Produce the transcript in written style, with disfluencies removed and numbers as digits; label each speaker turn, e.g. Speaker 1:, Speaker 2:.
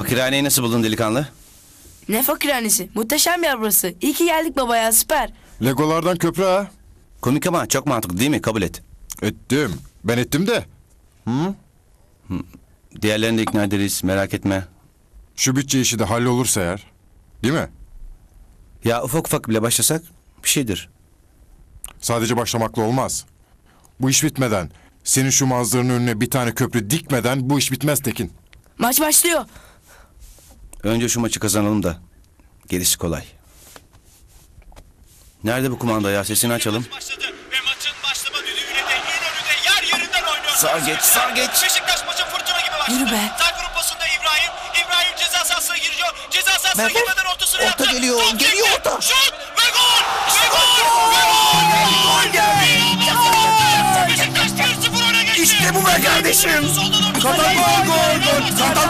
Speaker 1: Fakirhaneyi nasıl buldun delikanlı?
Speaker 2: Ne fakirhanesi? Muhteşem yer burası. İyi ki geldik baba ya, süper.
Speaker 3: Legolardan köprü ha.
Speaker 1: Komik ama çok mantıklı değil mi? Kabul et.
Speaker 3: Ettim. Ben ettim de.
Speaker 1: Diğerlerini de ikna ederiz, merak etme.
Speaker 3: Şu bütçe işi de hallolursa eğer. Değil mi?
Speaker 1: Ya ufak ufak bile başlasak bir şeydir.
Speaker 3: Sadece başlamakla olmaz. Bu iş bitmeden, senin şu manzaranın önüne bir tane köprü dikmeden bu iş bitmez Tekin.
Speaker 2: Maç başlıyor.
Speaker 1: Önce şu maçı kazanalım da gerisi kolay. Nerede bu kumanda ya? Sesini açalım.
Speaker 4: Başladı ve maçın başlama düdüğüyle de İnönü'de yer yerinden oynuyor.
Speaker 1: Sağ geç, sağ geç.
Speaker 4: Beşiktaş maçı fırtına gibi başladı.
Speaker 2: Yürü be.
Speaker 4: Sağ grup pasında İbrahim. İbrahim ceza sahasına giriyor. Ceza sahasına girmeden ortasını yaptı.
Speaker 1: Orta geliyor,
Speaker 4: Top
Speaker 1: geliyor
Speaker 4: çekti.
Speaker 1: orta.
Speaker 4: Şut ve gol. Ve gol. Ve gol. Beşiktaş 1-0 öne geçti.
Speaker 1: İşte bu be kardeşim.
Speaker 4: Soldan orta.
Speaker 1: Katalog gol, gol, Katalog.